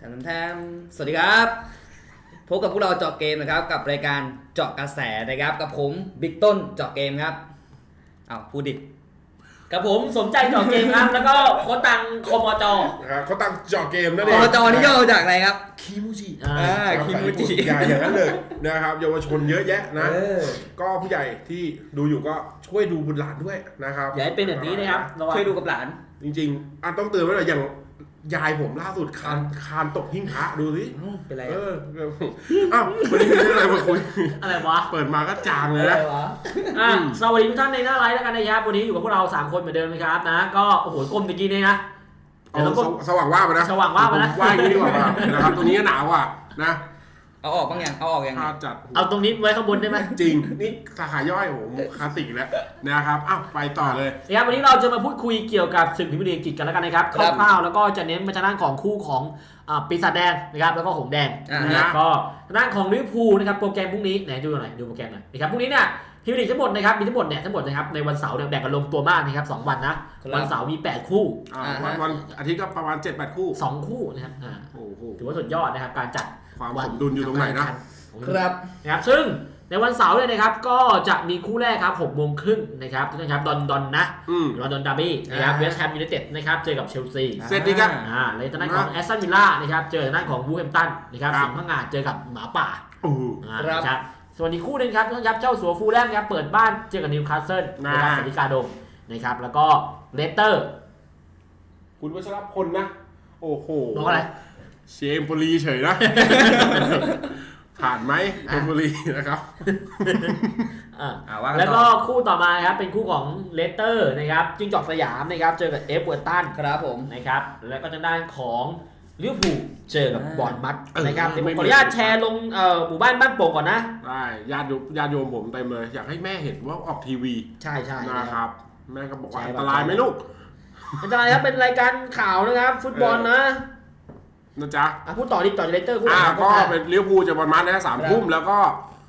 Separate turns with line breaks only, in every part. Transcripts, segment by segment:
แทมสวัสดีครับพบกับพวกเราเจาะเกมนะครับกับรายการเจาะกระแสนะครับกับผมบิ๊กต้นเจาะเกมครับพูดดิ
กับผมสมใจเจาะเกมครับแล้วก็โคตังคมจ
ครับเขาตั้งเจาะเกมนั่นเอ
ค
ง
มจนี่ย่อมาจากอะไรครับ
คิมูจิ
คิมูจิ
อย่างนั้นเลยนะครับเยาวชนเยอะแยะนะก็ผู้ใหญ่ที่ดูอยู่ก็ช่วยดูบุตรหลานด้วยนะครับ
อย่าให้เป็นแบบนี้นะครับ
ช่วยดูกับหลาน
จริงๆต้องเตือนไว้หน่อยอย่างยายผมล่าสุดคานตกหิ้งพระดูสิ
เป็นไร
วันนี้มีเรื่องอะไรมาคุย
อะไรวะ
เปิดมาก็จางเลยนะ
สวัสดีทุกท่านในหน้าไลฟ์แล้วกันนะครับวันนี้อยู่กับพวกเรา3คนเหมือนเดิมนะครับนะก็โอ้โหก้มตะกี้นี่นะ
สว่างว่าไปนะ
สว่างว่าไปนะ
ว่าอย่างนี้ดีกว่านะครับตรงนี้หนาวอ่ะนะ
เอาออกบ้างยังเอาออกยัง
จัด
เอาตรงนี้ไว้ข้างบนได้ไหม
จริงนี่สาขาย่อยโอ้โหคลาสสิกแล้วนะครับไปต่อเลย
นะครับวันนี้เราจะมาพูดคุยเกี่ยวกับศึกพรีเมียร์ลีกอังกฤษกันแล้วกันนะครับคร่าวๆแล้วก็จะเน้นมาทางด้านของคู่ของปีศาจแดงนะครับแล้วก็หงแดงนะครับก็ทางด้านของลิเวอร์พูลนะครับโปรแกรมพรุ่งนี้ไหนดูหน่อยดูโปรแกรมหน่อยนะครับพรุ่งนี้เนี่ยพรีเมียร์ลีกทั้งหมดนะครับมีทั้งหมดนะครับในวันเสาร์แบ่งกันลงตัวมากนะครับ2วันนะวันเสาร์มี8คู่
วันอาทิตย์ก็ประมาณ 7-8 คู่
2คู่นะครับถือว่าสุดยอดนะครับการจัด
ความสมดุลอยู่ตรงไหนนะครับ
ซึ่งในวันเสาร์เนี่ยนะครับก็จะมีคู่แรกครับ6 โมงครึ่งนะครับทุกท่านครับดอนนะลอนดอนดาร์บี้นะครับเวสต์แฮมยูไนเต็ดนะครับเจอกับเชลซี
เซตดีกัน
เลยทางด้านของแอสตันวิลล่านะครับเจอทางด้านของวูแฮมป์ตันนะครับสิงห์พังงาเจอกับหมาป่าครับส่วนอีกคู่นึงครับทุกท่านครับเจ้าสัวฟูลแลมครับเปิดบ้านเจอกับนิวคาสเซิลนะครับสติกาโดมนะครับแล้วก็เลสเตอร์
คุณวัชรพลนะโอ้โห
บอกอะไร
เชมปุรีเฉยนะผ่านไหมเชมปุรีนะครับ
แล้วก็คู่ต่อมาครับเป็นคู่ของเลสเตอร์นะครับจิ้งจอกสยามนะครับเจอกับเอฟเวอร์ตัน
ครับผม
นะครับแล้วก็ทางด้านของลิเวอร์พูลเจอกับบอร์นมัธนะครับผมขออนุญาตแชร์ลงหมู่บ้านบ้านโป่งก่อนนะ
ได้ญาติโยมผมเต็มเลยอยากให้แม่เห็นว่าออกทีวี
ใช่
นะครับแม่ก็บอกว่าอันตรายไหมลูก
อันตรายครับเป็นรายการข่าวนะครับฟุตบอลนะ
จ๊ะ
พูดต่อดิต่อเลสเตอร์คู่
ก็เป็นลิเวอร์พูลจะประมาณนี้3 ทุ่มแล้วก็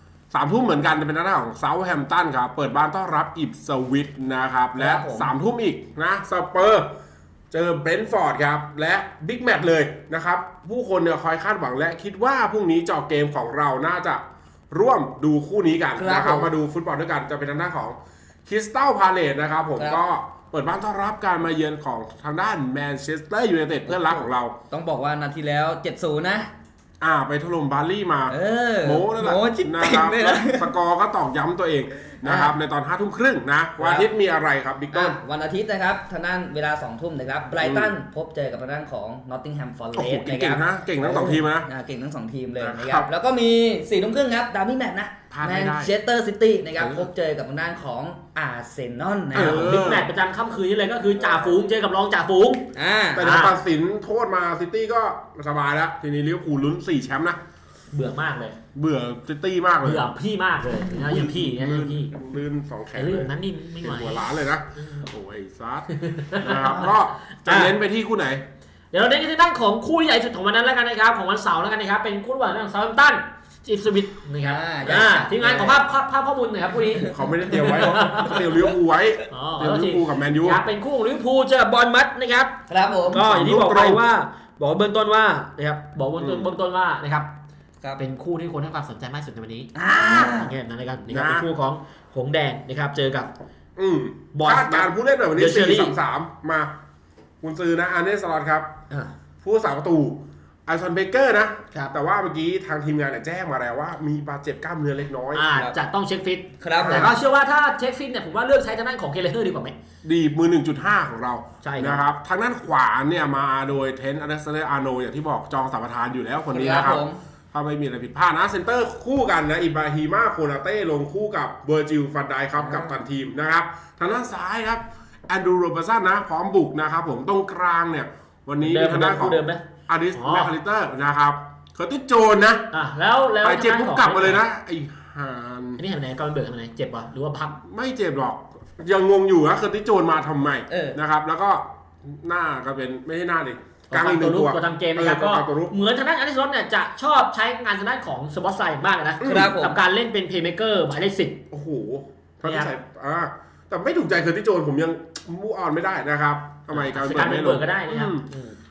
3 ทุ่มเหมือนกันจะเป็นหน้าของเซาท์แฮมป์ตันครับเปิดบ้านต้อนรับอิปสวิตนะครับและ3 ทุ่มอีกนะสเปอร์เจอเบรนท์ฟอร์ดครับและบิ๊กแมตช์เลยนะครับผู้คนเนี่ยคอยคาดหวังและคิดว่าพรุ่งนี้เจาะเกมของเราน่าจะร่วมดูคู่นี้กันนะครับมาดูฟุตบอลด้วยกันจะเป็นทางด้านของคริสตัลพาเลซนะครับผมก็เปิดบ้านต้อนรับการมาเยือนของทางด้านแมนเชสเตอร์ยูไนเต็ดเพื่อนรักของเรา
ต้องบอกว่านาทีแล้ว 7-0 นะ
ไปถล่มบาร์ลี่มา
โม้
นั่นแหละนะครับสกอร์ก็ตอกย้ำตัวเองนะครับในตอน 5 ทุ่มครึ่งนะวันอาทิตย์มีอะไรครับบิ๊กต้น
วันอาทิตย์นะครับทางด้านเวลา 2 ทุ่มนะครับไบรตันพบเจอกับทางด้านของนอตติงแฮมฟอร์เรสต์
นะครับเก่งทั้ง2 ทีมนะ
เก่งทั้ง2 ทีมเลยนะครับแล้วก็มี 4 ทุ่มครึ่งครับดาร์บี้แมตช์นะแมนเชสเตอร์ซิตี้นะครับพบเจอกับทางด้านของอาร์เซนอลนะครับ
บิ๊กแมตช์ประจำค่ำคืนนี้เลยก็คือจ่าฝูงเจอกับรองจ่าฝูง
แต่ตัดสินโทษมาซิตี้ก็สบายแล้วทีนี้ลิเวอร์พูลลุ้น4 แชมป์นะ
เบื่อมากเลย
เบื่อซิตี้มากเลย
เบื่อพี่มากเลยนะอย่างพี่
ลื่น2 แขน
เรื่องนั้นนี่ไม่ไหว
หัวล้านเลยนะโอ้ยซัดนะครับก็จะเน้นไปที่คู่ไหน
เดี๋ยวเราเน้นที่ด้านของคู่ใหญ่สุดของวันนั้นแล้วกันนะครับของวันเสาร์แล้วกันนะครับเป็นคู่ระหว่างเซาท์แฮมป์ตันอิปสวิตนะครับทีมงานของภาพข้อมูลหน่อยครับคู่นี้
เขาไม่ได้เตรียมไว้เขาเตรียมลิเวอร์พูลไว้เตรียมลิเวอร์พูลกับแมนยู
เป็นคู่ของลิเวอร์พูลเจอบอร์นมัธนะครับ
ครับผม
ก็อย่างที่บอกไปว่าบอกเบื้องต้นว่านะครับบอกเบื้องต้นว่านะครับเป็นคู่ที่คนให้ความสนใจมากสุดในวันนี้อย่างเงี้ยนั่นเลยกันนี่ครับเป็นคู่ของหงแดงนะครับเจอกับบ
อลการผู้เล่นแบบวันนี้4-3มาคุณซื้อนะอาร์เนส สล็อตครับผู้สาประตูไอซอนเบเกอร์นะแต่ว่าเมื่อกี้ทางทีมงานแจ้งมาแล้วว่ามีบาดเจ็บกล้ามเนื้อเล็กน้อย
จะต้องเช็คฟิต
ครับ
แต่ก็เชื่อว่าถ้าเช็คฟิตเนี่ยผมว่าเลือกใช้ทางด้านของเคเลเฮอร์ดีกว่าไหม
ดีมือ 1.5 ของเราใช่นะครับทางด้านขวาเนี่ยมาโดยเทนต์อเล็กซานเดอร์อาร์โนอย่างที่บอกจองสัมปทานอยู่แล้วคนนี้นะครับถ้าไม่มีอะไรผิดพลาดนะเซนเตอร์คู่กันนะอิบราฮิมาโคนาเต้ลงคู่กับเบอร์จิลฟันไดครับกับตันทีมนะครับทางด้านซ้ายครับแอนดรูโรเบอร์สันนะพร้อมบุกนะครับผมตรงกลางเนี่ยวันนี้ทางด้านของอาริสแมคคาลิเตอร์นะครับเคอร์ติสโจนนะ
แล้ว
ไปเจ็บปุ๊บกลับมาเลยนะไอ้ฮาน
นี่เห็นไหนก่อนเบิร์กไหนเจ็บป่ะหรือว่าพัก
ไม่เจ็บหรอกยังงงอยู่นะเคอร์ติสโจนมาทำไมนะครับแล้วก็หน้าก็เป็นไม่ใช่หน้าดิ
กลางอีกตัวทำเกมนะครับก็เหมือนทางด้านอาริสเนี่ยจะชอบใช้งานทางด้านของสปอตไซด์มากนะกับการเล่นเป็นเพลย์เมเกอร์หมายเลข10
โอ้โหเขาจะใส่แต่ไม่ถูกใจเคอร์ติสโจนผมยังมูออนไม่ได้นะครับทำไมการ
เปิดก็ได้นะครับ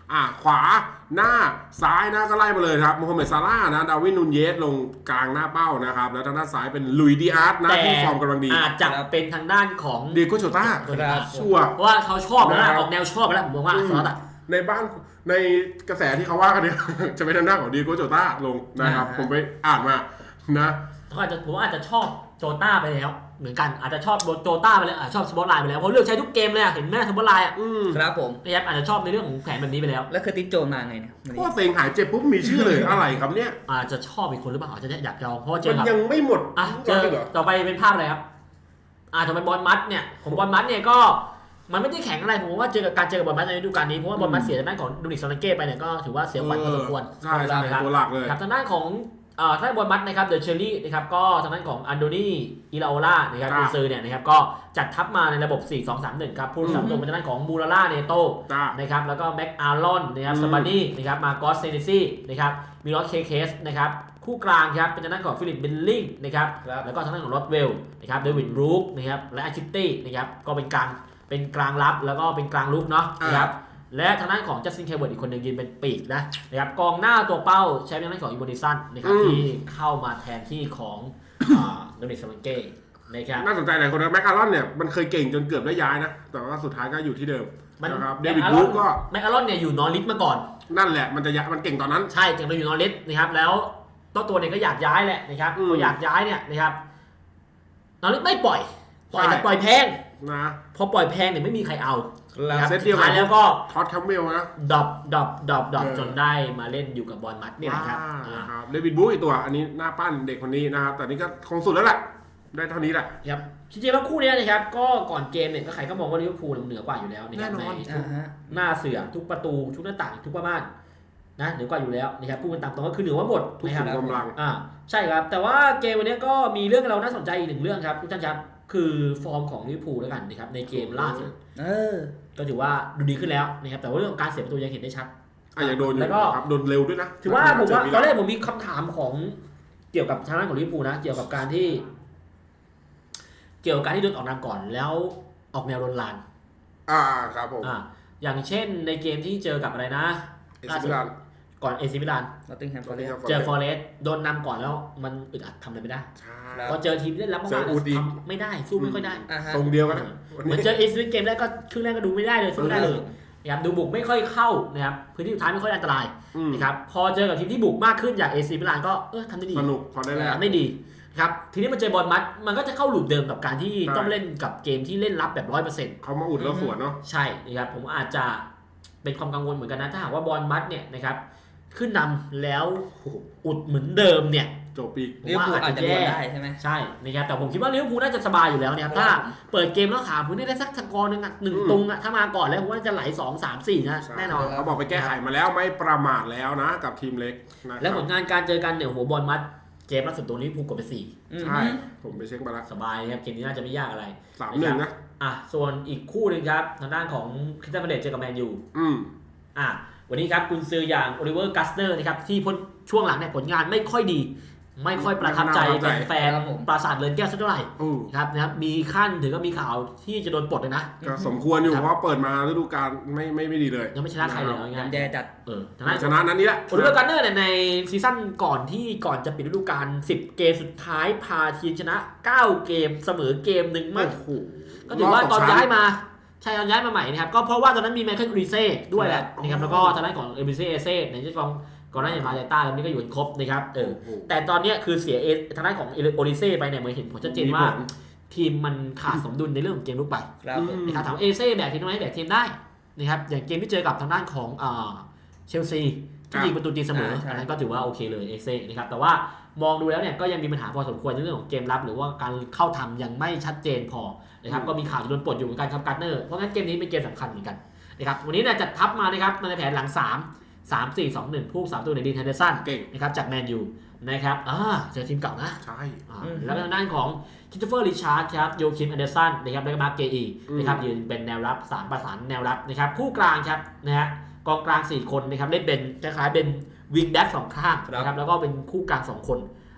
ขวาหน้าซ้ายนะก็ไล่มาเลยครับโมฮัมเหม็ดซาร่าห์นะดาร์วินนูนเยสลงกลางหน้าเป้านะครับแล้วทางด้านซ้ายเป็นลุยดิอาร์ตนะที่ฟอร์มกำลังดี
อาจจะเป็นทางด้านของ
เดียโก้โจต้าชัวร์
เพราะว่าเขาชอบแล้วออกแนวชอบแล้วผมมองว่าซอส
ในบ้านในกระแสที่เขาว่ากันเนี่ย จะเป็นทางด้านของเดียโก้โจต้าลงนะครับผมไปอ่านมานะ
ผมอาจจะชอบโจต้าไปแล้วเหมือนกันอาจจะชอบโจต้าไปแล้วชอบสปอตไลน์ไปแล้วเพราะเลือกใช้ทุกเกมเลยเห็นไหมสปอตไลน์
ครับผม
นะครับอาจจะชอบในเรื่องของแผนแบบนี้ไปแล้ว
แล้วเคอร์ติสโจนมาไงเนี่ย
พอเซงหายเจ็บปุ๊บมีชื่อเลยอะไรครับเนี่ย
อาจจะชอบอีกคนหรือเปล่าอาจจะอยากลองเพราะเจ
อยังไม่หมด
เจอต่อไปเป็นภาพอะไรครับต่อไปบอลมัดเนี่ยผมบอลมัดเนี่ยก็มันไม่ได้แข็งอะไรผมว่าเจอกับบอลมัดในฤดูกาลนี้เพราะว่าบอลมัดเสียทางด้านของดูนิกซอนเก้ไปเนี่ยก็ถือว่าเสียขวัญพอสมควร
ใช่ตัวหลักเลย
ครับทางด้านของทางบอลมัดนะครับเดอะเชอรี่นะครับก็ทางด้านของอันโดนีอิลาโอล่านะครับกุนซือเนี่ยนะครับก็จัดทัพมาในระบบ 4-2-3-1 ครับผู้รักษาประตูเป็นทางด้านของมูราล่าเนโต้นะครับแล้วก็แม็กอาร์ลอนนะครับซาบานี่นะครับมาโกสเซเนซี่นะครับมิลอสเคสนะครับคู่กลางครับเป็นทางด้านของฟิลิปเบนลิงนะครับแล้วก็ทางด้านของโรดเวลนะครับเดวิดรูคนะครับและอาชิตตี้นะครับก็เป็นกลางรับแล้วก็เป็นกลางลุกเนาะนะครับและทางด้านของจัสตินเคเบิร์ตอีกคนหนึ่งยืนเป็นปีกนะครับกองหน้าตัวเป้าใช้เป็นทางด้านของอิโมดิสันนะครับที่เข้ามาแทนที่ของโดนิกซาลังเก้นะครับ
น่าสนใจหลายคนนะแม็กอารอนเนี่ยมันเคยเก่งจนเกือบได้ย้ายนะแต่ว่าสุดท้ายก็อยู่ที่เดิมนะครับเดวิดรูคก็
แม็กอารอนเนี่ยอยู่นอริสมาก่อน
นั่นแหละมันเก่งตอนนั้น
ใช่เก่งเราอยู่นอริสนะครับแล้วตัวเนี่ยก็อยากย้ายแหละนะครับพออยากย้ายเนี่ยนะครับนอริสไม่ปล่อยแต่ปล่อยแพง
นะ
พอปล่อยแพงเนี่ยไม่มีใครเอา
เซตเดียวกัน
แล้วก็
ท็อตแคมเมลนะ
ดรอปจนได้มาเล่นอยู่กับบอลมัดนี่แหละครับ
เดวิดบู๊อีกตัวอันนี้หน้าปั้นเด็กคนนี้นะครับแต่นี่ก็คงสุดแล้วแหละได้เท่านี้แหละ
ครับจริงๆแล้วคู่นี้นะครับก็ก่อนเกมเนี่ยก็ใครก็มองว่าลิเวอร์พูลเหนือกว่าอยู่แล้ว
แน่นอน
หน้าเสือทุกประตูทุกหน้าต่างทุกประมาณนะเหนือกว่าอยู่แล้วนะครับพูดกันตามตรงก็คือเหนือกว่าหมด
นะครับกำลัง
ใช่ครับแต่ว่าเกมวันนี้ก็มีเรื่องเราน่าสนใจอีกหนึ่งเรื่องครับทุกท่านครับคือฟอร์มของลิเวอร์พูลแล้วกันนะครับในเกมล่าสุดก็ถือว่าดูดีขึ้นแล้วนะครับแต่ว่าเรื่องการเสียประตูยังเห็นได้ชัด
อย่างโดนแล้วก็โดนเร็วด้วยนะ
ถือว่าผมว่าตอนแรกผมมีคำถามของเกี่ยวกับทางด้านของลิเวอร์พูลนะเกี่ยวกับการที่โดนออกนำก่อนแล้วออกแนวโดนลาน
ครับผม
อย่างเช่นในเกมที่เจอกับอะไรนะก่อนเอซิมิลานเจอฟอเรสต์โดนนำก่อนแล้วมันอึดอัดทำอะไรไม่ได้พอเจอทีมเล่นรับมากๆทำไม่ได้สู้ไม่ค่อยได้
ตรงเดียวกัน
เหมือนเจอเอซิมิลานเกมแรกก็ครึ่งแรกก็ดูไม่ได้เลยสู้ไม่ได้เลยนะครับดูบุกไม่ค่อยเข้านะครับพื้นที่สุดท้ายไม่ค่อยอันตรายนะครับพอเจอกับทีมที่บุกมากขึ้นอย่างเอซิมิลานก็ทำได้ดี
สนุกพอได้แล้ว
ไม่ดีครับทีนี้มันเจอบอลมัดมันก็จะเข้าลูปเดิมกับการที่ต้องเล่นกับเกมที่เล่นรับแบบ 100%
เขามาอุดแล้วสวนเนาะ
ใช่นะครับผมอาจจะเป็นความกังวลเหมือนกันนะถ้าหากว่าบอลมัดเนี่ยนะครับขึ้นนำแล้วอุดเหมือนเดิมเนี่ย
จบปี
ลิเวอร์พูลอาจจะแย่ได้ใช่ไหม
ใช่นะครับแต่ผมคิดว่าลิเวอร์พูลน่าจะสบายอยู่แล้วเนี่ยถ้าเปิดเกมแล้วขาพื้นได้สักสกอร์นึง1 ตรงถ้ามาก่อนแล้วผมว่าจะไหล2-3-4นะแน่นอน
เขาบอกไปแก้ไขมาแล้วไม่ประมาทแล้วนะกับทีมเล็ก
แล้วผลงานการเจอกันเนี่ยหัวบอลมัดเกมล่าสุดตัวนี้พูกดไป
4ใช่ผมไปเช็คมาแล้ว
สบายครับเกมนี้น่าจะไม่ยากอะไร
3-1 นะ
ส่วนอีกคู่นึงครับทางด้านของคริสตัลพาเลซเจอกับแมนยูวันนี้ครับกุนซืออย่างโอลิเวอร์กัสเนอร์นะครับที่ช่วงหลังเนี่ยผลงานไม่ค่อยดีไม่ค่อยประทับใจแฟนปราสาทเรือนแก้วสักเท่าไหร่ครับมีขั้นถึงก็มีข่าวที่จะโดนปลดเลยนะ
ก็สมควรอยู่เพราะเปิดมาฤดูกาลไม่ดีเลย
ยังไม่ชนะใครเลย
ยังแย่จัด
ชนะนั้นนี่แหละ
โอลิเวอร์กัสเนอร์เนี่ยในซีซั่นก่อนจะปิดฤดูกาล10 เกมสุดท้ายพาทีมชนะ9 เกมเสมอเกมนึงมากก็ถือว่าตอนย้ายมาใช่ตอนย้ายมาใหม่นะครับก็เพราะว่าตอนนั้นมีไมเคิลอูริเซ่ด้วยแหละนะครับแล้วก็ทางด้านของเอมิเซ่ในที่กองก่อนหน้าอย่างมาเตต้าแล้วนี่ก็อยู่ครบนะครับแต่ตอนนี้คือเสียทางด้านของโอริเซ่ไปเนี่ยเหมือนเห็นผลชัดเจนว่าทีมมันขาดสมดุลในเรื่องของเกมลุกไปนะครับถามเอเซ่แบกทีมได้ไหมแบกทีมได้นะครับอย่างเกมที่เจอกับทางด้านของเชลซีที่ยิงประตูตีเสมออันนั้นก็ถือว่าโอเคเลยเอเซ่นะครับแต่ว่ามองดูแล้วเนี่ยก็ยังมีปัญหาพอสมควรในเรื่องของเกมรับหรือว่าการเข้าทำยังไม่ชัดเจนพอนะครับก็มีข่าวจะโดนปลดอยู่เหมือนกันครับการ์เนอร์เพราะงั้นเกมนี้เป็นเกมสำคัญเหมือนกันนะครับวันนี้เนี่ยจัดทัพมานะครับในแผนหลัง3-4-2-1 ผู้3 ตัวในดีน เฮนเดอร์สันนะครับจากแมนยูนะครับเจอทีมเก่านะ
ใช่
แล้วทางด้านของคิสโตเฟอร์ริชาร์ดครับโยคิมแอนเดอร์สันนะครับแล้วก็มาร์คเกอีนะครับยืนเป็นแนวรับ3ประสานแนวรับนะครับคู่กลางครับนะฮะกองกลาง4 คนนะครับเล่นเป็นคล้ายๆเป็นวิงแบ็ก2 ข้างนะครับแล้วก็เป็นคู่กลาง2 คน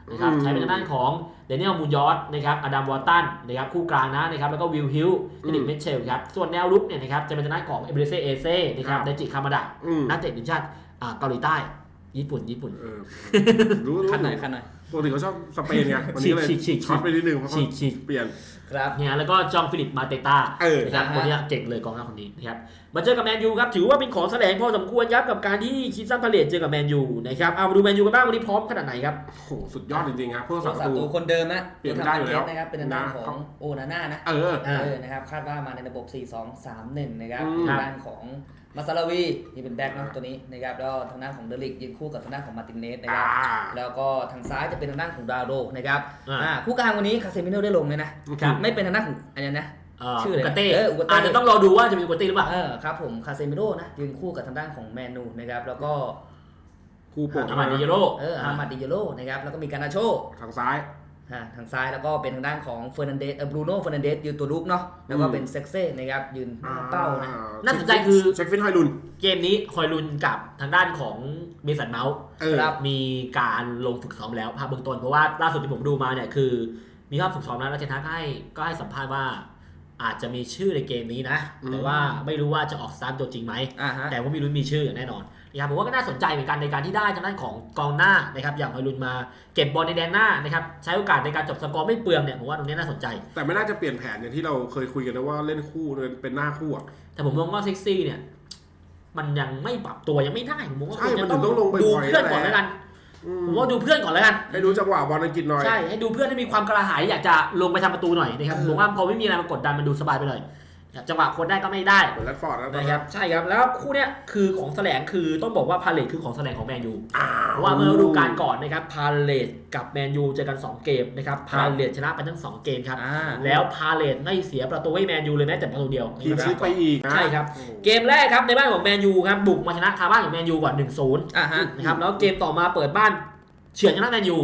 นะครับใช้เป็นทางด้านของเดนิเอลมูยอสนะครับอดัมวอลตันนะครับคู่กลางนะครับแล้วก็วิลฮิลเดนิเมเชลครับส่วนแนวรุกเนี่ยนะครับจะเป็นทางด้านของเอเบรเซเอเซ่นะครับไดจิคามาดะนักเตะทีมชาติเกาหลีใต้ญี่ปุ่น
รู้
ขั้นหน่อย
ปกติเขาชอบสเปนไงวันนี้เลยช็อตไปนิดนึงเพราะเขาเปลี่ยน
ครับ
เนี่ยแล้วก็จองฟิลิปมาเตต้านะครับคนนี้เก่งเลยกองหน้าคนนี้นะครับมาเจอกับแมนยูครับถือว่าเป็นของแสลงพอสมควรครับกับการที่คิดซันพาเลตเจอกับแมนยูนะครับเอามาดูแมนยูกันบ้างวันนี้พร้อมขนาดไหนครับ
โอ้โหสุดยอดจริงๆครับพวก
ศัตรูคนเดิมนะ
เปลี่ยนได้อยู่แล้ว
นะครับเป็นทางด้านของโอนาน่านะนะครับคาดว่ามาในระบบ 4-2-3-1 นะครับทางด้านของมาซาลาวีนี่เป็นแบ็คนะตัวนี้นะครับแล้วทางด้านของเดลิกยืนคู่กับทางด้านของมาร์ตินเนสนะครับแล้วก็ทางซ้ายจะเป็นทางด้านของดาโรนะครับคู่กลางวันนี้คาเซมิโน่ได้ลงเลยนะไม่เป็นทางด้านของอันนี้นะ
ชื่ออะไรอาจจะต้องรอดูว่าจะมีอุกาเต้หรือเปล่า
ครับผมคาเซมิโน่นะยืนคู่กับทางด้านของแมนูนะครับแล้วก็
คู่โปร
อามาดิเยโร
อามาดิเยโรนะครับแล้วก็มีการนาโช
ทางซ้าย
แล้วก็เป็นทางด้านของเฟอร์นันเดสบรูโน่เฟอร์นันเดสยืนตัวลุกเนาะแล้วก็เป็นเซ็กเซ่นะครับยืนเป้านะ
น่าสนใจคือ
เช็คฟินฮอยลุน
เกมนี้ฮอยลุนกับทางด้านของเมสันเมาส์มีการลงฝึกซ้อมแล้วภาพเบื้องต้นเพราะว่าล่าสุดที่ผมดูมาเนี่ยคือมีภาพฝึกซ้อมแล้วเจนทักก็ให้สัมภาษณ์ว่าอาจจะมีชื่อในเกมนี้นะแต่ว่าไม่รู้ว่าจะออกสตาร์ทตัวจริงไหมแต่ว่ามีลุ้นมีชื่ออย่างแน่นอนนะครับผมว่าก็น่าสนใจเหมือนกันในการที่ได้ทางด้านของกองหน้านะครับอย่างฮอยลุนมาเก็บบอลในแดนหน้านะครับใช้โอกาสในการจบสกอร์ไม่เปลืองเนี่ยผมว่าตรงนี้น่าสนใจ
แต่ไม่น่าจะเปลี่ยนแผนอย่างที่เราเคยคุยกันนะว่าเล่นคู่เป็นหน้าคู่อ่ะ
แต่ผมมองว่าเซ็กซี่เนี่ยมันยังไม่ปรับตัวยังไม่ได้ผมว่า
มันต้องลงไป
ดูเพื่อนก่อนแล้วกันผมว่าดูเพื่อนก่อนแล้วกัน
ให้ดูจังหวะบอลอังกฤษหน่อย
ใช่ให้ดูเพื่อนให้มีความกระหายอยากจะลงไปทำประตูหน่อยนะครับผมว่าพอไม่มีอะไรมากดดันมันดูสบายไปเลยจังหวะคนได้ก็ไม่ได้
เหมือนแรดฟอร์ด
นะครับใช่ครับแล้วคู่เนี้ยคือของแสลงคือต้องบอกว่าพาเลทคือของแสลงของแมนยูเพราะว่าเมื่อฤดูกาลก่อนนะครับพาเลทกับแมนยูเจอกัน2เกมนะครับพาเลทชนะไปทั้ง2เกมครับแล้วพาเลทไม่เสียประตูให้แมนยูเลยแม้แต่ประตูเดียว
ทีมชิปไปอีก
ใช่ครับเกมแรกครับในบ้านของแมนยูครับบุกมาชนะคาบ้านของแมนยูก่อน 1-0 นะครับแล้วเกมต่อมาเปิดบ้านเฉือนชนะแมนยู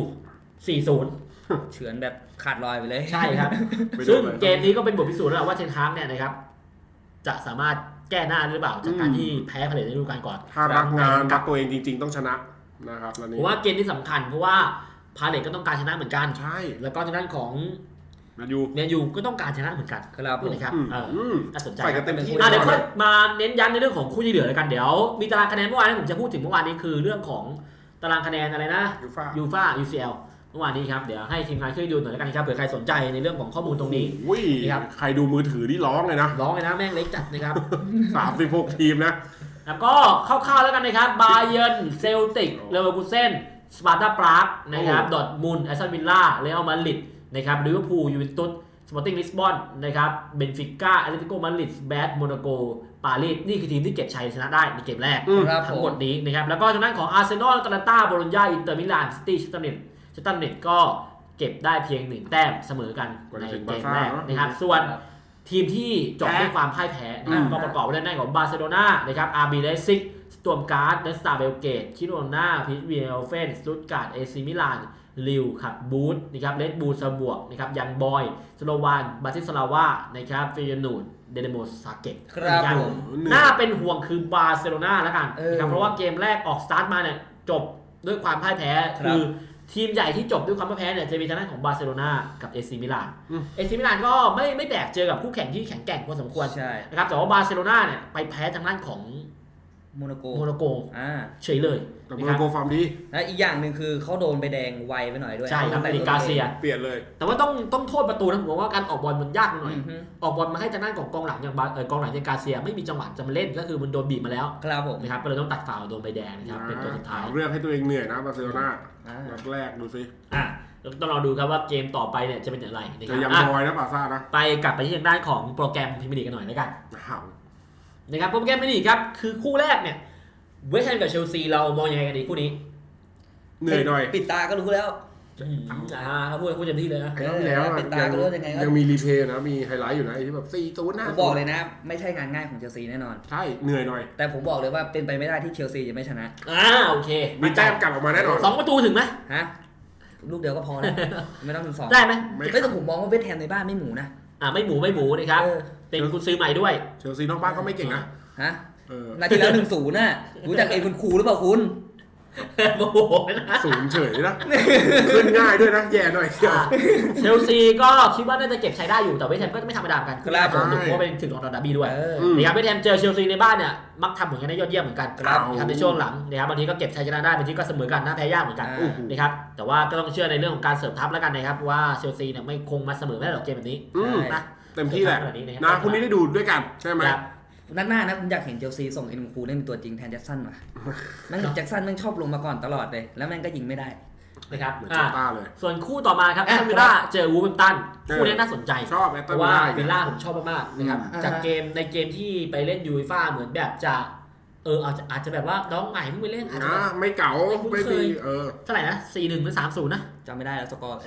4-0
เฉือนแบบขาดลอยไปเลย
ใช่ครับซึ่งเกมนี้ก็เป็นบทพิสูจน์แล้วว่าเทนฮากเนี่ยนะครับจะสามารถแก้หน้าหรือเปล่าจากการที่แพ้พาเลทในฤดูกาลก่อน
ถ้ารักงานรักตัวเองจริงๆต้องชนะนะครับ
เพราะว่าเกมที่สำคัญเพราะว่าพาเลทก็ต้องการชนะเหมือนกัน
ใช่
แล้วก็ทางด้านของ
แม
นยูก็ต้องการชนะเหมือนกัน
ครับ
นะครับน่าสนใจ
ไปกันเต็มที่
เดี๋ยวค่อยมาเน้นย้ำในเรื่องของคู่ที่เหลือแล้วกันเดี๋ยวมีตารางคะแนนเมื่อวานที่ผมจะพูดถึงเมื่อวานนี้คือเรื่องของตารางคะแนนอะไรนะยูฟ่า UCL เมื่อวานนี้ครับเดี๋ยวให้ทีมงานช่วยดูหน่อยแล้วกันครับเผื่อใครสนใจในเรื่องของข้อมูลตรงนี้
ครับใครดูมือถือที่ร้องเลยนะ
แม่งเล็กจัดนะครับ
36ทีมนะ
แล้วก็คร่าวๆแล้วกันนะครับบาเยิร์นเซลติกเลเวอร์คูเซ่นสปาร์ตาปรากนะครับดอร์ทมุนด์แอสตันวิลล่าเรอัลมาดริดนะครับลิเวอร์พูลยูเวนตุสสปอร์ติ้งลิสบอนนะครับเบนฟิก้าแอตเลติโกมาดริดแบดโมนาโกปารีสนี่คือทีมที่เก็บชัยชนะได้ในเกมแรกทั้งหมดนี้นะครับแล้วก็ทางด้านของอาร์เซนอล อาตแลนตา โบโลญญา อินเตอร์มิลาน ซิตี้ ชัตตันเน็ตก็เก็บได้เพียง1แต้มเสมอกันในเกมแรกนะครับส่วนทีมที่จบด้วยความพ่ายแพ้ก็ประกอบไปด้วยของบาร์เซโลนานะครับอาร์บีไลป์ซิกสตอร์มการ์ดเนสตาเบลเกตคิโรนาพิทเวียลเฟนสตุตการ์ดเอซิมิลานลิวครับบูธนะครับเลดบูลซาบวกนะครับยังบอยสโลวานบาติสลาวานะครับเฟยนูดเดเนโมซาเกต
ครับผม
น่าเป็นห่วงคือบาร์เซโลนาแล้วกันนะครับเพราะว่าเกมแรกออกสตาร์ทมาเนี่ยจบด้วยความพ่ายแพ้คือทีมใหญ่ที่จบด้วยความพ่ายแพ้เนี่ยจะมีทางด้านของบาร์เซโลนากับเอซิมิลานก็ไม่แดกเจอกับคู่แข่งที่แข็งแกร่งพอสมควรนะครับแต่ว่าบาร์เซโลนาเนี่ยไปแพ้ทางด้านของ
โมนาโก
เฉยเลย
แต่โมนาโกฟอร์มดี
และอีกอย่างหนึ่งคือเขาโดนใบแดงไวไปหน่อยด้วย
ใช่ครับในกาเซีย
เปลี่ยนเลย
แต่ว่าต้องโทษประตูนะผมว่าการออกบอลมันยากหน่อยออกบอลมาให้ทางด้านของกองหลังอย่างกองหลังอย่างกาเซียไม่มีจังหวะจะมาเล่นก็คือมันโดนบีบมาแล้ว
ครับผม
นะครับก็เลยต้องตัดฟาวล์โดนใบแดงนะครับเป็นตัวสุดท้าย
เรื่องให้ตัวเองเหนื่อยนะบาร์เซโลนานัดแรกดูสิ
ต้องรอดูครับว่าเกมต่อไปเนี่ยจะเป็นอย่างไร
จะยังบอยนะบาร์ซ่านะ
ไปกลับไปที่ทางด้านของโปรแกรมพรีเมียร์ลีกกันหน่อยแล้วกันนะครับโปรแกรมพรีเมียร์ลีกครับคือคู่แรกเนี่ยเวสต์แฮมกับเชลซีเรามองยังไงกันดีคู่นี้
เหนื่อยหน่อย
ปิดตาก็รู้แล้ว
เขาพูดเต็มที่เลยนะ
แล้วปิดตาก็รู้ยังไงยังมีรีเพย์นะมีไฮไลท์อยู่นะที่แบบ4-0นะ
ผมบอกเลยนะไม่ใช่งานง่ายของเชลซีแน่นอน
ใช่เหนื่อยหน่อย
แต่ผมบอกเลยว่าเป็นไปไม่ได้ที่เชลซีจะไม่ชนะ
โอเค
มีแต้มกลับออกมาแน่นอน
2 ประตูถึงไหม
ฮะลูกเดียวก็พอแล้วไม่ต้องถึง2
ได้ไหม
ไม่แต่ผมมองว่าเวสต์แฮมในบ้านไม่หมูนะ
ไม่หมูนะครับเป็นคุณซื้อใหม่ด้วย
เชลซีนอกบ้านก็ไม่เก่งนะ
ฮะนาทีแล้ว1-0น่ะรู้จักเองคุณครูหรือเปล่าคุณ
โมโหนะ
ศูนย์เฉยนะขึ้นง่ายด้วยนะแย่หน่อยเชียว
เชลซีก็คิดว่าน่าจะเก็บใช้ได้อยู่แต่เวสต์แฮมก็ไม่ธรรมดาเหมือนกันคือเพราะเป็นถึงลอนดอนดาร์บี้ด้วยนะครับเวสต์แฮมเจอเชลซีในบ้านเนี่ยมักทำเหมือนกันได้ยอดเยี่ยมเหมือนกันนะครับในช่วงหลังนะครับบางทีก็เก็บชัยชนะได้บางทีก็เสมอกันน่าแพ้ยากเหมือนกันนะครับแต่ว่าก็ต้องเชื่อในเรื่องของการเสริมทัพแล้วกันนะครับว่าเชลซีเนี่ยไม่คงมาเสมอไม่ได้หรอกเกมแบบนี้นะ
เต็มที่แหละนะพรุ่งนี้ได้ดูด้วยกันใช่ไหม
นัดหน้านะผมอยากเห็นเชลซีส่งไอ้หนุ่มคูเล่นเป็นตัวจริงแทนแจ็คสันว่ะแม่งแจ็คสันแม่งชอบลงมาก่อนตลอดเลยแล้วแม่งก็ยิงไม่ได้
นะครับ
เหมือนเจ้าต้าเลย
ส่วนคู่ต่อมาครับแอสตันวิลล่าเจอวูล์ฟแฮมป์ตันคู่นี้น่าสนใจ
ชอบแอส
เพ
ตัน
ราะ
วิล
ว่า
ล่า
วิลล่าผมชอบมากๆนะครับจากเกมในเกมที่ไปเล่นยูฟ่าเหมือนแบบจะอาจจะแบบว่าน้องใหม่เพิ่งไปเล่นอาจจะ
ไม่เก๋าไม่ดี
เท่าไหร่นะ 4-1 หรือ 3-0 นะ
จำไม่ได้แล้วสกอร์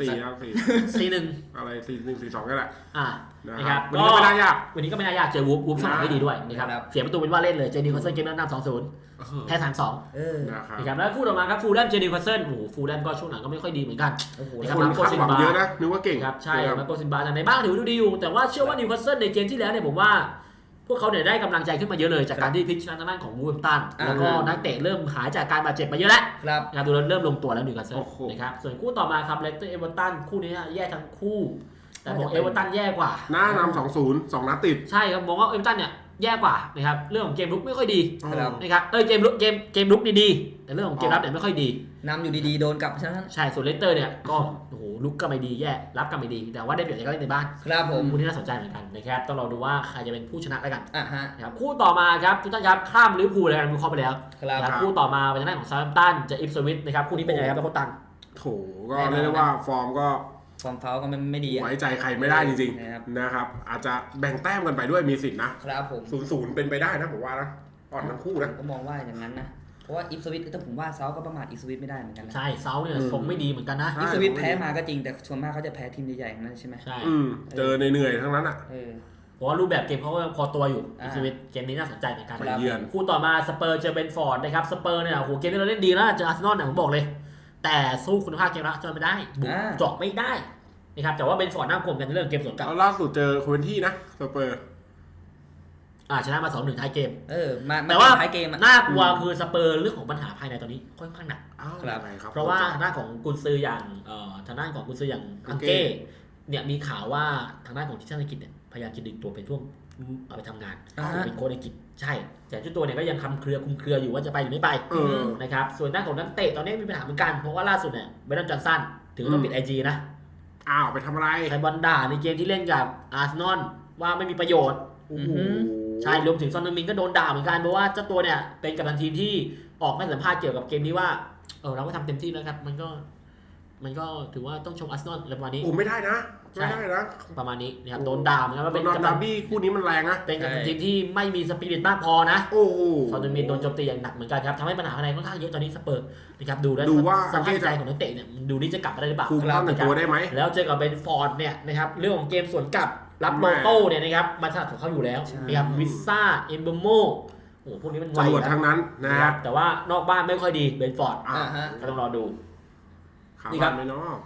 4-1
อะไร4-1 4-2ก็แหละ
นะครับ
วันนี้ก็ไม่น่ายาก
วันนี้ก็ไม่น่ายากเจอวูฟช่องไม่ดีด้วยนะครับเสียประตูเป็นว่าเล่นเลยเจนิคอสเซิลเกมนั้นนำ 2-0 แพ้ 3-2 นะครับแล้วคู่ต่อมาครับฟูลแลมเจนิคอสเซิลโอ้โหฟูลแลมก็ช่วงหลังก็ไม่ค่อยดีเหมือนกัน
นะครับมาโกซินบาเยอะนะนึกว่าเก่ง
ครับใช่มาโกซินบาในบ้านถือว่าดูดีอยู่แต่ว่าเชื่อว่านิวคาสเซิลในเกมที่แล้วเนี่ยผมว่าพวกเขาเนี่ยได้กำลังใจขึ้นมาเยอะเลยจากการที่พลิกชนะทางด้านของวูฟแฮมป์ตันแล้วก็นักเตะเริ่มหายจากการบาดเจ็บมาเยอะแล้วนะครับดูแล้วเริ่มลงตัวแล้วนิวคาสเซิลนะครับส่วนคู่ต่อมาครับเลสเตอร์เอเวอร์ตันคู่นี้แย่ทั้งคู่แต่บอกเอเวอร์ตันแย่กว่า
หน้านำ 2-0 2 นัดติด
ใช่ครับมองว่าเอเวอร์ตันเนี่ยแย่กว่านะครับเรื่องของเกมรุกไม่ค่อยดีนะครับเกมรุกดีๆแต่เรื่องของเกมรับเนี่ยไม่ค่อยดี
นำอยู่ดีๆโดนกลับใช่ไหม
ใช่ส่วนเลสเตอร์เนี่ยก็โอ้โหลุกก็ไม่ดีแย่รับก็ไม่ดีแต่ว่าได้เปรียบจากการเล่นในบ้าน
ครับผม
คู่ที่น่าสนใจเหมือนกันนะครับต้องรอดูว่าใครจะเป็นผู้ชนะแล้วกันครับคู่ต่อมาครับทุกท่านครับข้ามลิเวอร์พูลเลยกันวิเคราะห์ไปแล้วครับคู่ต่อมาเป็นทางด้านของซาร์แฮมป์ตันจะอิปสวิชนะครับคู่นี้เป็นยังไงครับโค้ชตัน
โถก็เรียกได้ว่าฟอร์ม
เฟ้าก็ไม่ดี
ไว้ใจใครไม่ได้จริงๆนะครับอาจจะแบ่งแต้มกันไปด้วยมีสิทธินะครับ
ผม
0-0เป็นไปได้นะผมว่านะอ่อนทั้งคู่นะ
ก็มองว่าอย่างนั้นนะเพราะว่าอิปสวิตถ้าผมว่าเซาก็ประมาทอิปสวิตไม่ได้เหมือนกันนะ
ใช่เซาเนี่ยทรงไม่ดีเหมือนกันนะ
อิปสวิตแพ้มาก็จริงแต่ส่วนมากเขาจะแพ้ทีมใหญ่ๆนั่นใช่ไหม
ใช่
เจอเหนื่อยทั้งนั้นอ่ะ
เพราะว่ารูปแบบเกมเขาก็พอตัวอยู่อิปสวิตเกมนี้น่าสนใจเหมือนกันคู่ต่อมาสเปอร์เจอเบนฟอร์ดนะครับสเปอร์เนี่ยโอ้โหเกมนี้เราเล่นดีแล้วเจออาร์เซนอลเนี่ยผมบอกเลยแต่สู้คุณภาพเกมรับจนไม่ได้บุกเจาะไม่ได้นะครับแต่ว่าเบนฟอร์ดน่ากลัวกันในเรื่องเกมสวนกลับ
ล่าสุดเจอโคเวนที่นะสเปอร์
ชนะมา 2-1 ท้ายเกม
แต่ว่าท้ายเกม
น่ากลัวคือสเปอร์เรื่องของปัญหาภายในตอนนี้ค่อนข้างหนักเพราะว่าทางด้านของกุนซืออย่างทางด้านของกุนซืออย่างอังเก้เนี่ยมีข่าวว่าทางด้านของทีมชาติอังกฤษเนี่ยพยายามจะดึงตัวเป็นพวกเอาไปทำงานเป็นโค้ชอังกฤษใช่แต่เจ้าตัวเนี่ยก็ยังคุมเครืออยู่ว่าจะไปหรือไม่ไปนะครับส่วนด้านของนักเตะตอนนี้มีปัญหาเหมือนกันเพราะว่าล่าสุดเนี่ยเบรนดอน จอห์นสันถึงต้องปิด IG นะ
ไปทำอะไร
ใครบอลด่าในเกมที่เล่นกับอาร์เซนอลว่าไม่มีประโยชน์ใช่รวมถึงซอนเดอร์มินก็โดนด่าเหมือนกันเพราะว่าเจ้าตัวเนี่ยเป็นกัปตันทีมที่ออกมาสัมภาษณ์เกี่ยวกับเกมนี้ว่าเราก็ทำเต็มที่นะครับมันก็ถือว่าต้องชมอาร์เซนอลประมาณนี้
ไม่ได้นะ
ประมาณนี้นะครับโดนด่าเหมือนกันว่าเป็น
กัปตันบี้คู่นี้มันแรงนะ
เป็นกัปตันทีมที่ไม่มีสปิริตมากพอนะซอนเดอร์มินโดนโจมตีอย่างหนักเหมือนกันครับทำให้ปัญหาภายในค่อนข้างเยอะตอนนี้สเปอร์นะครับดูว่าสภาพใจของนักเตะเนี่ยดูนี่จะกลับมาได้หรือเปล่า
ตัวได้ไหม
แล้วเจอกับเบนฟอร์ดเนี่ยนะครับเรื่องของเกมสวนกลับรับโลโต้เนี่ยนะครับมาถนัดของเขาอยู่แล้วนะครับวิซ่าเอมเบโมโอ้พวกนี้มันไว
ทั้งนั้นนะครับ
แต่ว่านอกบ้านไม่ค่อยดีเบนฟอร์ดก็ต้องรอดู
นี่ครับไม่เนาะ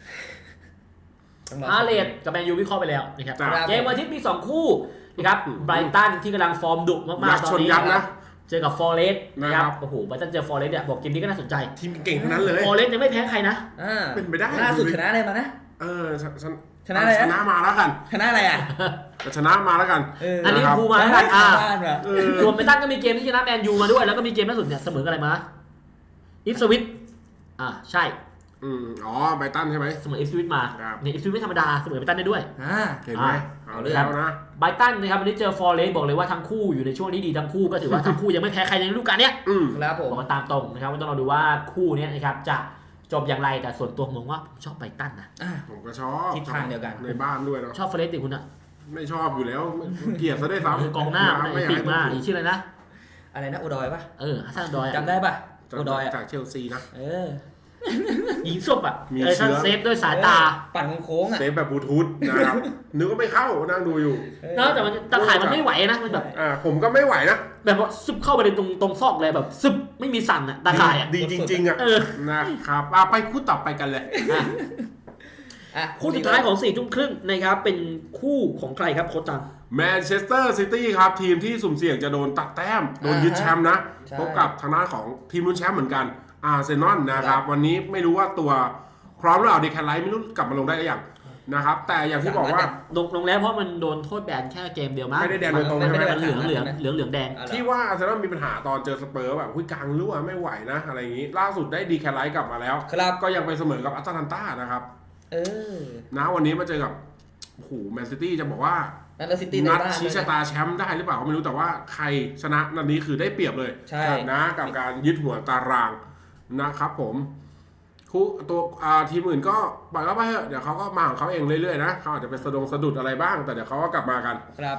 อาร์เลดกับแมนยูวิเคราะห์ไปแล้วนะครับเกมวันอาทิตย์มี2คู่นะครับไบรตันที่กำลังฟอร์มดุมากๆตอนนี้นะเจอกับฟอเรสต์นะครับโอ้โหไบรตันเจอฟอเรสต์เนี่ยบอกเกมนี้ก็น่าสนใจ
ทีมเก่งทั้งนั้นเลย
ฟอเรสต์ยังไม่แพ้ใครนะ
เป็นไปได้
ล่าสุดชนะอะไรมานะ
ชนะอะไรชนะมาแล้วกัน
ชนะอะไร
ชนะมาแล้วกัน
อันนี้พูมาแล้วกันรวมไบรตันก็มีเกมที่ชนะแมนยูมาด้วยแล้วก็มีเกมล่าสุดเนี่ยเสมอกันอะไรมาอิฟสวิตใช่
ไบรตันใช่ไหม
เสมออิฟสวิตมาเนี่ยอิฟสวิตไม่ธรรมดาเสมอไบรตันได้ด้วย
เห็นไหมเอาเลยนะ
ไบรตันนะครับวันนี้เจอฟอเรสต์บอกเลยว่าทั้งคู่อยู่ในช่วงที่ดีทั้งคู่ก็ถือว่าทั้งคู่ยังไม่แพ้ใครในฤดูกาลนี้
ครับผม
บอกกันตามตรงนะครับต้องรอดูว่าคู่นี้นะครับจะจบอย่างไรแต่ส่วนตัวผมว่าผมชอบไบรตันนะ
ผมก็ชอบ
ทิศทางเดียวกัน
ในบ้านด้วยเนาะ
ชอบฟอเรสต์ดิคุณอะ
ไม่ชอบอยู่แล้วเกลียดซะได้ซ้
ำกองหน้าไม่ปีกมาอีกชื่ออะไรนะ
โอดอยป่ะ
ฮัสซันดอย
จำได้ป่ะ
โอดอยจากเชลซีนะ
ยิงศพมีเชื้อเซฟด้วยสายตา
ปั่นโค้ง
เซฟแบบบลูทูธนะครับนึกว่าไม่เข้านั่งดูอยู่
แต่มันตะข่ายมันไม่ไหวนะมันแบบ
ผมก็ไม่ไหวนะ
แบบว่าซึบเข้าไปในตรงซอกเลยแบบซึบไม่มีสั่นตะข่าย
ดีจริงๆนะครับไปคู่ต่อไปกันเลย
คู่สุดท้ายของ4 ทุ่มครึ่งนะครับเป็นคู่ของใครครับโค้ชตัง
แมนเชสเตอร์ซิตี้ครับทีมที่สุ่มเสี่ยงจะโดนตัดแต้มโดนยึดแชมป์นะพบกับทางด้านของทีมลุ้นแชมป์เหมือนกันอาร์เซนอลนะครับวันนี้ไม่รู้ว่าตัวพร้อมหรือเปล่าดีแคลไลท์ไม่รู้กลับมาลงได้หรือยังนะครับแต่อย่างที่บอกว่า
ลงแล้วเพราะมันโดนโทษแบนแค่เกมเดียวมั้ง
ไม่ได้แดงโดยตรงใช่ไหม
มันเหลืองแดง
ที่ว่าอาร์เซนอลมีปัญหาตอนเจอสเปอร์แบบกลางรั่วไม่ไหวนะอะไรอย่างนี้ล่าสุดได้ดีแคลไลท์กลับมาแล้วก็ยังไปเสมอกับอัตแลนตานะครับนะวันนี้มาเจอกับโอ้โหแมนซิตี้จะบอกว่านัดชี้ชะตาแชมป์ได้หรือเปล่าก็ไม่รู้แต่ว่าใครชนะนัดนี้คือได้เปรียบเลยนะกับการยึดหัวตารางนะครับผมตัวทีมอื่นก็ปล่อยเขาไปเถอะเดี๋ยวเขาก็มาของเขาเองเรื่อยๆนะเขาอาจจะเป็นสะดุดอะไรบ้างแต่เดี๋ยวเขาก็กลับมากัน
ครับ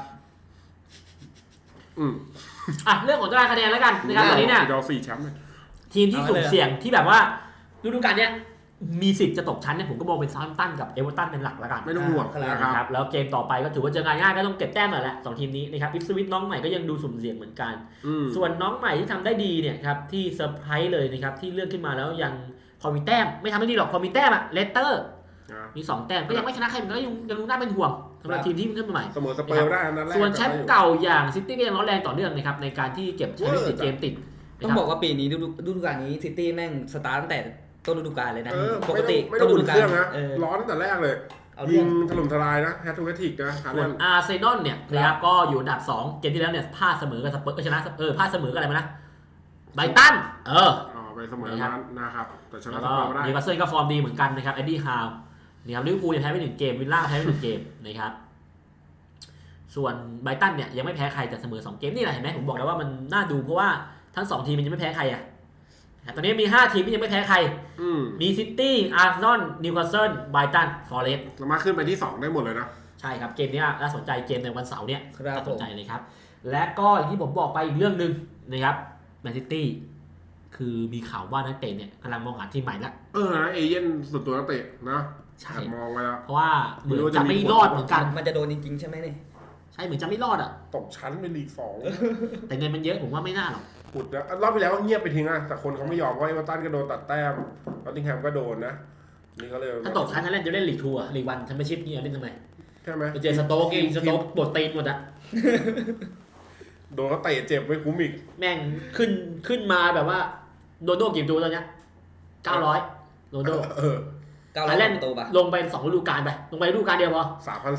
เรื่องของตารางคะแนนแล้วกันนะครับตอนนี้เนี่ย
เรา4 แชมป์
ทีมที่สุ่มเสี่ยงที่แบบว่าฤดูกาลเนี้ยมีสิทธิ์จะตกชั้นเนี่ยผมก็มองเป็นซาร์ตันกับเอเวอร์ตันเป็นหลักแล้วกัน
ไม่ต้องห่วง
นะครับแล้วเกมต่อไปก็ถือว่าเจองานง่ายก็ต้องเก็บแต้มหน่อยแหละ2 ทีมนี้นะครับอิฟสวิตน้องใหม่ก็ยังดูสุ่มเสี่ยงเหมือนกันส่วนน้องใหม่ที่ทำได้ดีเนี่ยครับที่เซอร์ไพรส์เลยนะครับที่เลือกขึ้นมาแล้วยังพอมีแต้มไม่ทำได้ดีหรอกพอมีแต้มอะเลสเตอร์มี2 แต้มก็ยังไม่ชนะใครมันก็ยังรู้น่าเป็นห่วงสำหรับทีมที่ขึ้นมาใหม่
เสมอสเปอร์ได้นั่นแหละ
ส่วนแชมป์เก่าอย่างซิตี้ก็ยังร้อนแรงต่อเนื่องนะครับในการที่เก็บแชมป์4 เกมติด
ต้องบอกว่าปีนี้ฤดูกาลนี้ซิตี้แม่งสตาร์ตั้งแต่ต้นฤดูกาลเลยนะปกติ
ไม่ต้องอุ่นเครื่องนะร้อนตั้งแต่แรกเลยยิงถล่มทลายนะแฮตทูแฮตติกนะ
ส่วนอาร์เซนอลเนี่ยนะครับก็อยู่อันดับ2เกมที่แล้วเนี่ยพลาดเสมอกับสเปอร์ชนะพลาดเสมอกับอะไรมานะไบรตัน
ไปเสมอนั้นนะครับแต่ชนะสเปอร์
ได้นิวคาสเซิลก็ฟอร์มดีเหมือนกันนะครับเอ็ดดี้ฮาวนะครับลิเวอร์พูลยังแพ้ไป1 เกมวิลล่าแพ้ไป1 เกมนะครับส่วนไบรตันเนี่ยยังไม่แพ้ใครแต่เสมอ2 เกมนี่แหละเห็นไหมผมบอกแล้วว่ามันน่าดูเพราะว่าทั้ง2 ทีมมันยังไม่แพ้ใครตอนนี้มี 5 ทีมที่ยังไม่แพ้ใครมีซิตี้อาร์เซนอลนิวคาสเซิลไบรตันฟอเรสต์
สามารถขึ้นไปที่2ได้หมดเลยนะ
ใช่ครับเกมนี้น่าสนใจเกมในวันเสาร์เนี่ยน่าสนใจเลยครับและก็อย่างที่ผมบอกไปอีกเรื่องนึงนะครับแมนซิตี้คือมีข่าวว่านักเตะเนี่ยกำลังมองหาทีมใหม่แล้ว
นะเอเย่นส่วนตัวนักเตะนะใช่
ม
องไว้แล้ว
เพราะว่าเหมือนจะไม่รอดเหมือนกัน
มันจะโดนจริงๆใช่ไหมเนี่ย
ใช่เหมือนจะไม่รอด
ตกชั้นเป็นลีก 2
แต่เงินมันเยอะผมว่าไม่น่าหรอก
ขุดนะรอบที่แล้วก็เงียบไปทิ้งแต่คนเขาไม่ยอมเพราะเอเวอร์ตันก็โดนตัดแต้มนอตติงแฮมก็โดนนะนี่เขาเลย
ถ้าตกชั้นเล่นจะเล่นลีก 2ลีก 1แชมเปี้ยนชิพนี่เล่นทำไม
ใช่ไหม
ไปเจอสโต๊กปวดตีนหมด
โดนเขาเตะเจ็บไม่คุ้มอีก
แม่งขึ้นมาแบบว่าโดนโดกี่ตัวตอนนี้900โดนโด
900เล่นตัวปะ
ลงไป2 ฤดูกาลไปลงไปฤดูกาลเดียวพอ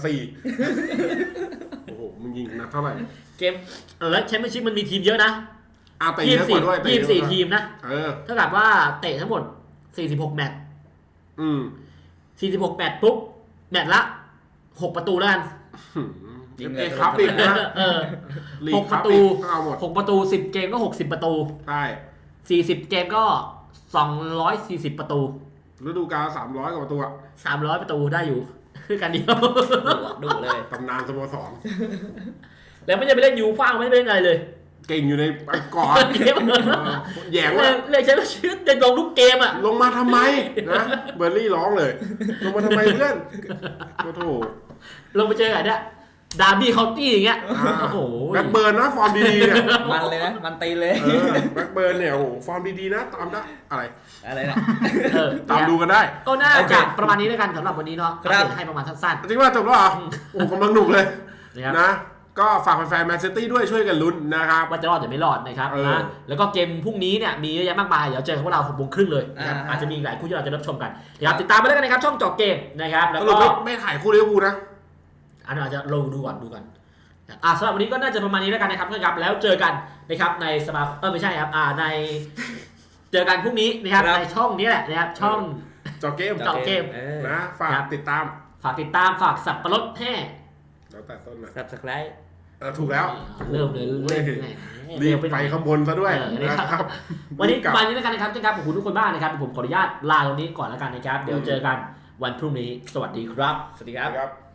3,400 โอ้โหมึงยิงนักเท่าไหร่
เกมแล้วแชมเปี้ยนชิพมันมีทีมเยอะนะ
เตะเยอะกว่าด้วย
24 ทีมนะเท่ากับว่าเตะทั้งหมด46 แมตช์46 แมตช์ปุ๊บแมตช์ละ6 ประตูแล้วกัน
ยิงเลยครับอีกนะ
6 ประตู6 ประตู10 เกมก็60 ประตู
ใช่
40 เกมก็240 ประตู
ฤดูกาล300 กว่าประตู
300 ประตูได้อยู่คือกันเดียว
ดุเลย
ตำนานสโมสร
แล้วไม่ได้ไปเล่นยูฟ่าไม่ได้ไปเล่นอะไรเลย
เก่งอยู่ในก่อนแย่งว่า
เลยใช้ชื่อเด็ดลงทุกเกม
ลงมาทำไมนะเบอร์รี่ร้องเลยลงมาทำไมเพื่อนโอ้โห
ลงไปเจอไงเนี่ยดาร์บี้เคาน์ตี้อย่างเงี้ยโอ้โห
แบ็คเบิร์นนะฟอร์มดีๆเนี่ย
มันเลยนะมันตีเลย
แบ็คเบิร์นเนี่ยโอ้โหฟอร์มดีๆนะตามได้
อะไรนะ
ตามดูกันได้
ก็น่าจะประมาณนี้แล้วกันสำหรับวันนี้เนาะให้ประมาณสั้น
ๆจริงว่าจบแล้วเหรอโอ้กำลังหนุกเลยนะก็ฝากแฟนๆแมนซิตี้ด้วยช่วยกันลุ้นนะครับ
ว่าจะรอดหรือไม่รอดนะครับนะแล้วก็เกมพรุ่งนี้เนี่ยมีเยอะแยะมากมายเดี๋ยวเจอพวกเรา 6:30 เลยนะครับอาจจะมีหลายคู่ที่เราจะรับชมกันนะครับติดตามไปแล้วกันนะครับช่องเจาะเกมนะครับแล้วก็
ไม่ถ่ายคู่ลิเวอร์พูลนะ
อันอาจจะลงดูกันสำหรับวันนี้ก็น่าจะประมาณนี้แล้วกันนะครับแล้วเจอกันนะครับในสมาไม่ใช่ครับในเจอกันพรุ่งนี้นะครับในช่องนี้แหละนะครับช่อง
เจาะเกมนะฝากติดตาม
ฝากสับปะรดแห่
แล้วแต่ต้นนะ
Subscribe
ถูกแล้ว
เริ่มเลย
รีบไปข้างบนซะด้วย
นะครับวันนี้ประมาณนี้แล้วกันนะครับขอบคุณทุกคนมากนะครับผมขออนุญาตลาตรงนี้ก่อนแล้วกันนะครับเดี๋ยวเจอกันวันพรุ่งนี้สวัสดีครับ
สวัสดีครับ